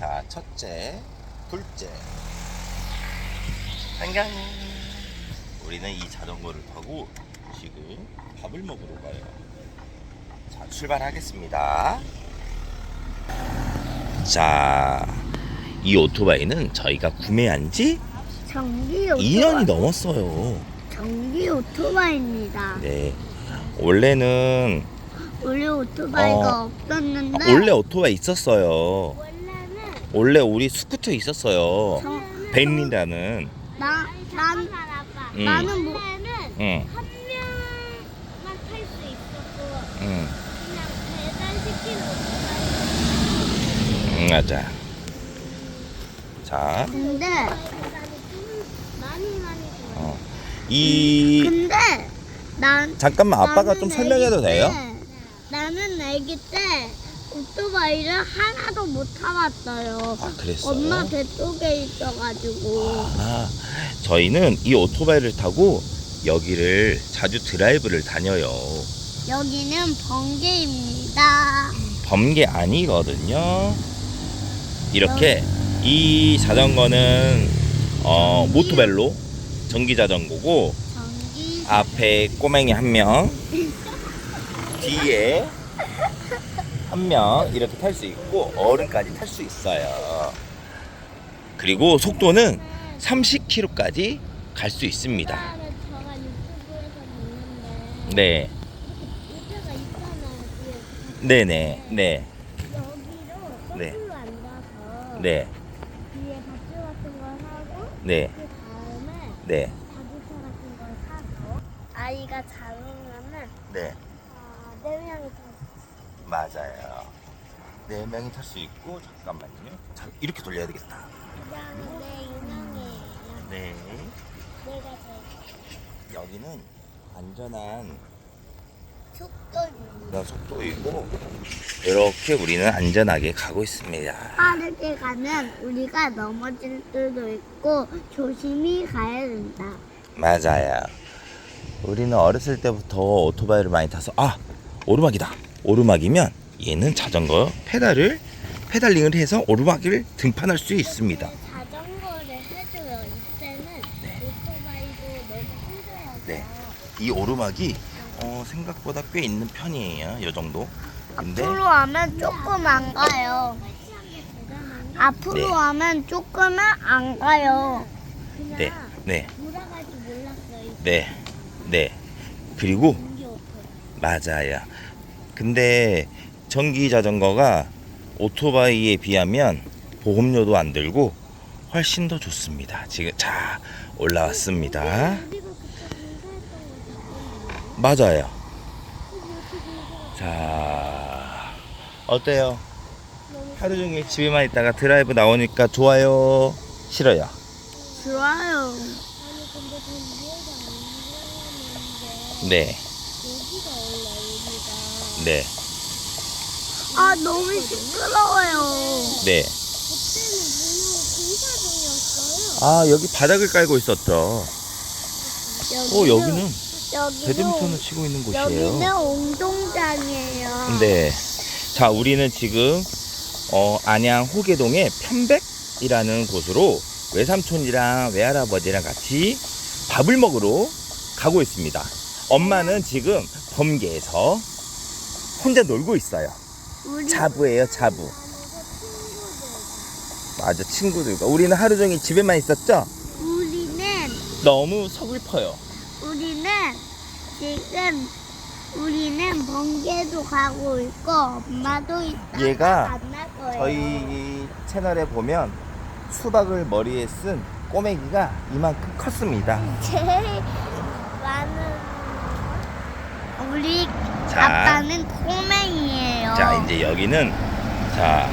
자, 첫째, 둘째. 안녕. 우리는 이 자전거를 타고 지금 밥을 먹으러 가요. 자, 출발하겠습니다. 자, 이 오토바이는 저희가 구매한 지 전기 오토바이. 2년이 넘었어요. 전기 오토바이입니다. 네. 원래는 원래 오토바이가 없었는데. 원래 오토바이 있었어요. 원래는 원래 우리 스쿠터 있었어요. 벤이라는. 나는 뭐 응. 한 명만 탈 수 있었고 응. 그냥 배달시키는 오토바이 맞아. 자, 근데 많이 좋아요. 이 난 잠깐만 아빠가 좀 나는 설명해도 아기 돼요? 때, 나는 아기 때 오토바이를 하나도 못 타봤어요. 아, 그랬어요? 엄마 뱃속에 있어가지고. 아, 저희는 이 오토바이를 타고 여기를 자주 드라이브를 다녀요. 여기는 번개입니다. 범계 아니거든요. 이렇게 이 자전거는 모토벨로 전기 자전거고 전기 앞에 꼬맹이 한 명, 뒤에 한 명 이렇게 탈 수 있고 어른까지 탈 수 있어요. 그리고 속도는 30km까지 갈 수 있습니다. 오빠는 제가 유튜브에서 보는데 네, 의자가 있잖아요. 뒤에 네네, 네, 여기로 네. 거꾸로 앉아서 네, 뒤에 밧줄 같은 걸 하고 네, 그 다음에 네, 자동차 같은 걸 사서 아이가 잡으면은 네, 4명이 다 맞아요. 4명이 탈 수 있고 잠깐만요. 자, 이렇게 돌려야 되겠다. 그다음에 내 유명해요. 네, 내가 제일 여기는 안전한 속도입니다. 그런 속도이고 이렇게 우리는 안전하게 가고 있습니다. 빠르게 가면 우리가 넘어질 수도 있고 조심히 가야 된다. 맞아요. 우리는 어렸을 때부터 오토바이를 많이 타서 오르막이다. 오르막이면 얘는 자전거 페달링을 해서 오르막을 등판할 수 있습니다. 자전거를 해줘요. 이때는 오토바이도 너무 힘들어서 네. 이 오르막이 생각보다 꽤 있는 편이에요. 이 정도. 근데 앞으로 하면 조금 안 가요. 앞으로 네. 하면 조금은 안 가요. 그냥 네, 네, 돌아갈 줄 몰랐어요. 네, 네. 그리고 전기 오토바이. 맞아요. 근데 전기 자전거가 오토바이에 비하면 보험료도 안 들고 훨씬 더 좋습니다. 지금 자 올라왔습니다. 우리가 그때 공사했던 거 맞아요. 자 어때요? 하루 종일 집에만 있다가 드라이브 나오니까 좋아요? 싫어요? 좋아요. 아니 근데 전 이해가 안 되는데 네, 여기가 원래 여기가 네, 아 너무 시끄러워요. 네. 그때는 공사 중이었어요. 아 여기 바닥을 깔고 있었죠. 여기는 배드민턴을 치고 있는 곳이에요. 여기는 운동장이에요. 네. 자, 우리는 지금 안양 호계동의 편백이라는 곳으로 외삼촌이랑 외할아버지랑 같이 밥을 먹으러 가고 있습니다. 엄마는 지금 범계에서 혼자 놀고 있어요. 우리 자부예요, 자부. 맞아, 친구들과. 우리는 하루 종일 집에만 있었죠? 우리는 너무 서글퍼요. 우리는 번개도 가고 있고 엄마도 이따가 얘가 만날 거예요. 저희 채널에 보면 수박을 머리에 쓴 꼬맹이가 이만큼 컸습니다. 제일 많은 우리 자. 아빠는 꼬맹이에요. 자, 이제 여기는 자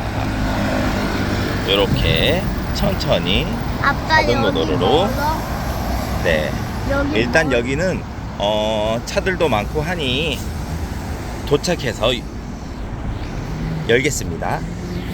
이렇게 천천히 아빠 자전거 여기 도로로. 멀어? 네. 여기 일단 멀어? 여기는 차들도 많고 하니 도착해서 열겠습니다.